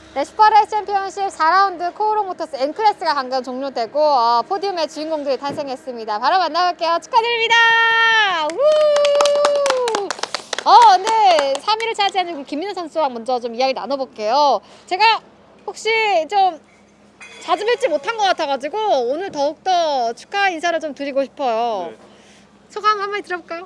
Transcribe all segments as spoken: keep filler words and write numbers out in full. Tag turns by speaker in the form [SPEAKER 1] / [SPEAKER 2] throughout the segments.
[SPEAKER 1] 네, 슈퍼레이스 챔피언십 사 라운드 코오롱 모터스 N클래스가 방금 종료되고 어, 포디움의 주인공들이 탄생했습니다. 바로 만나볼게요. 축하드립니다. 우! 어, 근데 삼 위를 차지한 김민우 선수와 먼저 좀 이야기 나눠볼게요. 제가 혹시 좀 자주 뵙지 못한 것 같아가지고 오늘 더욱더 축하 인사를 좀 드리고 싶어요.
[SPEAKER 2] 네.
[SPEAKER 1] 소감 한마디 들어볼까요?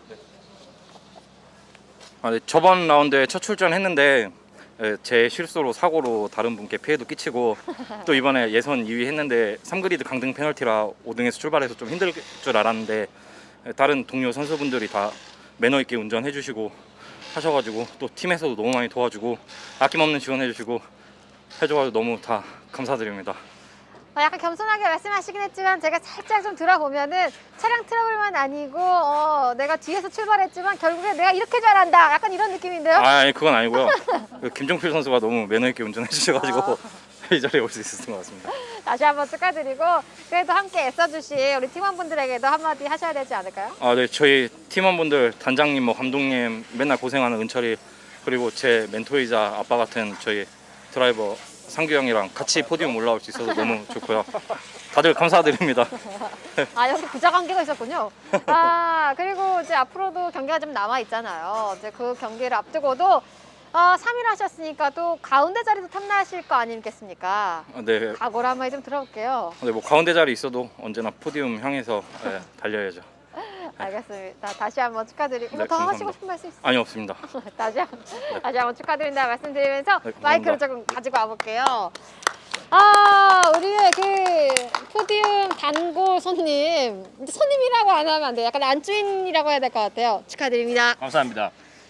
[SPEAKER 2] 아, 네, 저번 라운드에 첫 출전했는데 예, 제 실수로 사고로 다른 분께 피해도 끼치고 또 이번에 예선 이 위 했는데 삼 그리드 강등 페널티라 오 등에서 출발해서 좀 힘들 줄 알았는데 예, 다른 동료 선수분들이 다 매너 있게 운전해 주시고 하셔가지고 또 팀에서도 너무 많이 도와주고 아낌없는 지원해 주시고 해줘가지고 너무 다 감사드립니다.
[SPEAKER 1] 어, 약간 겸손하게 말씀하시긴 했지만 제가 살짝 좀 들어보면은 차량 트러블만 아니고 어, 내가 뒤에서 출발했지만 결국에 내가 이렇게 잘한다 약간 이런 느낌인데요?
[SPEAKER 2] 아, 아니 그건 아니고요. 그 김종필 선수가 너무 매너 있게 운전해 주셔가지고
[SPEAKER 1] 아.
[SPEAKER 2] 이 자리에 올 수 있었던 것 같습니다.
[SPEAKER 1] 다시 한번 축하드리고 그래도 함께 애써주신 우리 팀원분들에게도 한마디 하셔야 되지 않을까요?
[SPEAKER 2] 아, 네, 저희 팀원분들, 단장님, 뭐 감독님 맨날 고생하는 은철이 그리고 제 멘토이자 아빠 같은 저희 드라이버 상규 형이랑 같이 포디움 올라올 수 있어서 너무 좋고요. 다들 감사드립니다.
[SPEAKER 1] 아 여기 부자 관계가 있었군요. 아 그리고 이제 앞으로도 경기가 좀 남아 있잖아요. 이제 그 경기를 앞두고도 어, 삼 위를 하셨으니까 또 가운데 자리도 탐나실 거 아니겠습니까?
[SPEAKER 2] 아, 네,
[SPEAKER 1] 각오를 한마디 좀 들어볼게요.
[SPEAKER 2] 네, 뭐 가운데 자리 있어도 언제나 포디움 향해서 네, 달려야죠.
[SPEAKER 1] 알겠습니다. 다시 한번 축하드리고
[SPEAKER 2] 네,
[SPEAKER 1] 더
[SPEAKER 2] 감사합니다.
[SPEAKER 1] 하시고 싶은 말씀 있으세요?
[SPEAKER 2] 아니 없습니다.
[SPEAKER 1] 다시 한번 다시 한번 축하드린다 말씀드리면서
[SPEAKER 2] 네, 감사합니다.
[SPEAKER 1] 마이크를 조금 가지고 와볼게요. 아 우리의 그 포디움 단골 손님 손님이라고 안 하면 안 돼요. 약간 안주인이라고 해야 될 것 같아요. 축하드립니다.
[SPEAKER 3] 감사합니다.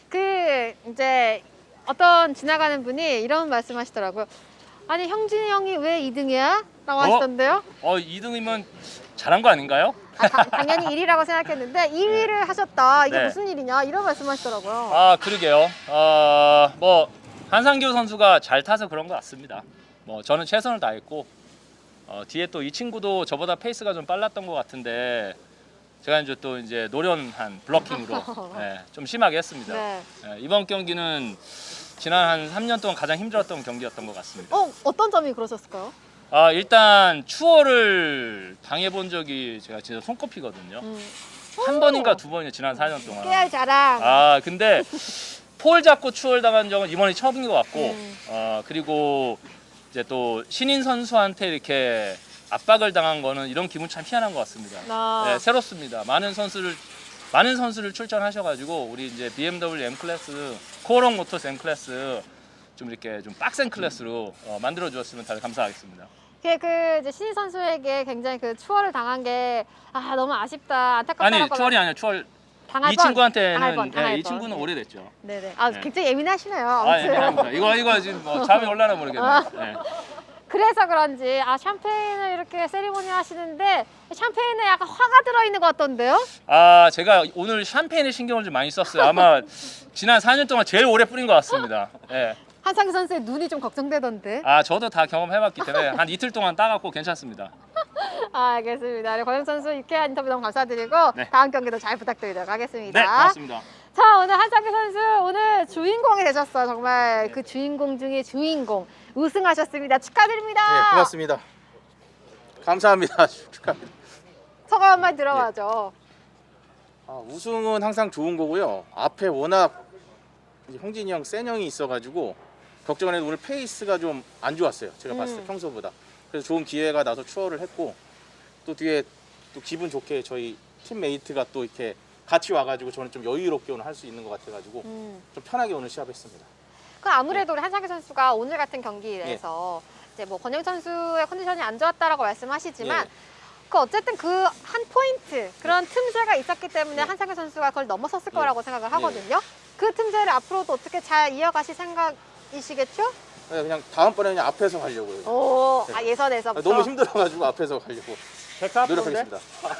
[SPEAKER 1] 그 이제 어떤 지나가는 분이 이런 말씀하시더라고요. 아니 형진이 형이 왜 이 등이야? 라고 하시던데요.
[SPEAKER 3] 어, 이 등이면 잘한 거 아닌가요?
[SPEAKER 1] 아, 다- 당연히 일 위라고 생각했는데 이 위를 하셨다. 이게
[SPEAKER 3] 네.
[SPEAKER 1] 무슨 일이냐 이런 말씀하시더라고요.
[SPEAKER 3] 아, 그러게요. 어, 뭐 한상규 선수가 잘 타서 그런 것 같습니다. 뭐 저는 최선을 다했고 어, 뒤에 또 이 친구도 저보다 페이스가 좀 빨랐던 것 같은데 제가 이제 또 이제 노련한 블러킹으로 예, 좀 심하게 했습니다.
[SPEAKER 1] 네.
[SPEAKER 3] 예, 이번 경기는 지난 한 삼 년 동안 가장 힘들었던 경기였던 것 같습니다.
[SPEAKER 1] 어 어떤 점이 그러셨을까요?
[SPEAKER 3] 아, 일단 추월을 당해본 적이 제가 진짜 손꼽히거든요.
[SPEAKER 1] 음.
[SPEAKER 3] 한 번인가 두 번이요, 지난 사 년 동안.
[SPEAKER 1] 깨알 자랑.
[SPEAKER 3] 아, 근데 폴 잡고 추월 당한 적은 이번이 처음인 것 같고,
[SPEAKER 1] 음.
[SPEAKER 3] 어, 그리고 이제 또 신인 선수한테 이렇게 압박을 당한 거는 이런 기분 참 희한한 것 같습니다.
[SPEAKER 1] 아.
[SPEAKER 3] 네, 새롭습니다. 많은 선수를 많은 선수를 출전하셔가지고 우리 이제 비엠더블유 M 클래스, 코오롱 모터스 M 클래스 좀 이렇게 좀 빡센 클래스로 어, 만들어 주었으면 다들 감사하겠습니다.
[SPEAKER 1] 그게 그 이제 신인 선수에게 굉장히 그 추월을 당한 게 아 너무 아쉽다 안타깝다라고
[SPEAKER 3] 아니 추월이 아니라 추월.
[SPEAKER 1] 당할
[SPEAKER 3] 이
[SPEAKER 1] 번,
[SPEAKER 3] 친구한테는
[SPEAKER 1] 당할 번, 당할
[SPEAKER 3] 예, 이
[SPEAKER 1] 번.
[SPEAKER 3] 친구는
[SPEAKER 1] 네.
[SPEAKER 3] 오래됐죠.
[SPEAKER 1] 네네. 아
[SPEAKER 3] 네.
[SPEAKER 1] 굉장히 예민하시네요.
[SPEAKER 3] 아, 예,
[SPEAKER 1] 아무튼.
[SPEAKER 3] 미안합니다. 이거 이거 지금 뭐 잠이 올라나 모르겠네요. 예.
[SPEAKER 1] 그래서 그런지 아 샴페인을 이렇게 세리머니 하시는데 샴페인에 약간 화가 들어있는 것 같던데요?
[SPEAKER 3] 아, 제가 오늘 샴페인에 신경을 좀 많이 썼어요. 아마 지난 사 년 동안 제일 오래 뿌린 것 같습니다. 예.
[SPEAKER 1] 한상규 선수의 눈이 좀 걱정되던데.
[SPEAKER 3] 아, 저도 다 경험해봤기 때문에 한 이틀 동안 따갖고 괜찮습니다.
[SPEAKER 1] 아, 알겠습니다. 우리 권영 선수 유쾌한 인터뷰 너무 감사드리고
[SPEAKER 3] 네.
[SPEAKER 1] 다음 경기도 잘 부탁드리도록 하겠습니다.
[SPEAKER 3] 네, 고맙습니다.
[SPEAKER 1] 자 오늘 한상규 선수 오늘 주인공이 되셨어요. 정말 그 주인공 중에 주인공 우승하셨습니다. 축하드립니다.
[SPEAKER 4] 네, 고맙습니다. 감사합니다. 축하합니다.
[SPEAKER 1] 소감 한마디 들어봐죠.
[SPEAKER 4] 아, 우승은 항상 좋은 거고요. 앞에 워낙 이제 형진이 형, 센 형이 있어가지고 걱정을 해도 오늘 페이스가 좀 안 좋았어요. 제가 봤을 때
[SPEAKER 1] 음.
[SPEAKER 4] 평소보다. 그래서 좋은 기회가 나서 추월을 했고 또 뒤에 또 기분 좋게 저희 팀메이트가 또 이렇게 같이 와가지고 저는 좀 여유롭게 오늘 할 수 있는 것 같아가지고
[SPEAKER 1] 음.
[SPEAKER 4] 좀 편하게 오늘 시합했습니다.
[SPEAKER 1] 그 아무래도 우리 한상규 선수가 오늘 같은 경기에서 이제 뭐 권영 선수의 컨디션이 안 좋았다라고 말씀하시지만
[SPEAKER 4] 예.
[SPEAKER 1] 그 어쨌든 그 한 포인트 그런 틈새가 있었기 때문에
[SPEAKER 4] 예.
[SPEAKER 1] 한상규 선수가 그걸 넘어섰을
[SPEAKER 4] 예.
[SPEAKER 1] 거라고 생각을 하거든요. 그 틈새를 앞으로도 어떻게 잘 이어가실 생각이시겠죠?
[SPEAKER 4] 네, 그냥 다음번에 그냥 앞에서 가려고요.
[SPEAKER 1] 오,
[SPEAKER 4] 네.
[SPEAKER 1] 아, 예선에서부터.
[SPEAKER 4] 너무 힘들어가지고 앞에서 가려고 노력하겠습니다.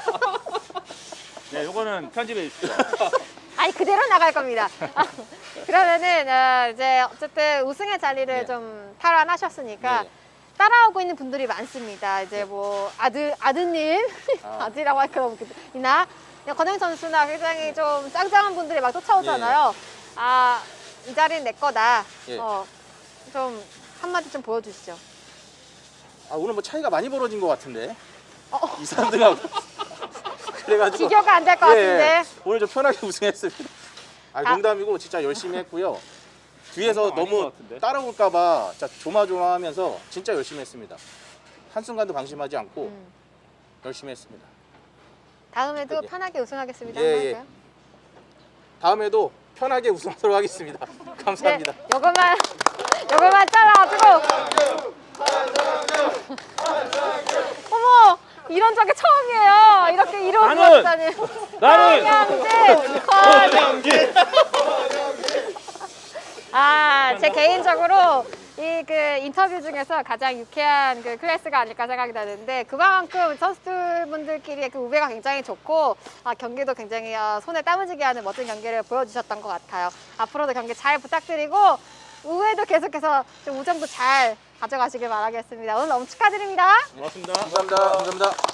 [SPEAKER 5] 네, 요거는 편집해 주십시오.
[SPEAKER 1] 아니 그대로 나갈 겁니다. 그러면은 어, 이제 어쨌든 우승의 자리를
[SPEAKER 4] 네.
[SPEAKER 1] 좀 탈환하셨으니까
[SPEAKER 4] 네.
[SPEAKER 1] 따라오고 있는 분들이 많습니다. 이제 뭐 아들 아드님
[SPEAKER 4] 아.
[SPEAKER 1] 아들이라고 할 그런 분이나 권영 선수나 굉장히 좀 짱짱한 분들이 막 쫓아오잖아요. 아 이 자리는 내 거다.
[SPEAKER 4] 예.
[SPEAKER 1] 어, 좀 한마디 좀 보여주시죠.
[SPEAKER 4] 아, 오늘 뭐 차이가 많이 벌어진 것 같은데
[SPEAKER 1] 어,
[SPEAKER 4] 이 삼 등하고 그래가지고
[SPEAKER 1] 비교가 안 될 것
[SPEAKER 4] 예,
[SPEAKER 1] 같은데.
[SPEAKER 4] 오늘 좀 편하게 우승했습니다. 아,
[SPEAKER 1] 아.
[SPEAKER 4] 농담이고 진짜 열심히 했고요. 뒤에서
[SPEAKER 3] 아닌 것
[SPEAKER 4] 너무
[SPEAKER 3] 같은데?
[SPEAKER 4] 따라올까봐 진짜 조마조마하면서 진짜 열심히 했습니다. 한순간도 방심하지 않고
[SPEAKER 1] 음.
[SPEAKER 4] 열심히 했습니다.
[SPEAKER 1] 다음에도
[SPEAKER 4] 예.
[SPEAKER 1] 편하게 우승하겠습니다.
[SPEAKER 4] 예,
[SPEAKER 1] 한번
[SPEAKER 4] 예.
[SPEAKER 1] 할까요?
[SPEAKER 4] 다음에도 편하게 우승하도록 하겠습니다. 감사합니다.
[SPEAKER 1] 네, 요것만 요것만 잘라가지고. 어머, 이런 적이 처음이에요. 이렇게 이루어지다니.
[SPEAKER 3] 나는
[SPEAKER 1] 황영진. 아, 제 개인적으로 이 그 인터뷰 중에서 가장 유쾌한 그 클래스가 아닐까 생각이 나는데, 그만큼 선수분들끼리의 그 우배가 굉장히 좋고, 아, 경기도 굉장히 어, 손에 땀을 쥐게 하는 멋진 경기를 보여주셨던 것 같아요. 앞으로도 경기 잘 부탁드리고, 우회도 계속해서 좀 우정도 잘 가져가시길 바라겠습니다. 오늘 너무 축하드립니다.
[SPEAKER 3] 고맙습니다.
[SPEAKER 4] 감사합니다. 감사합니다.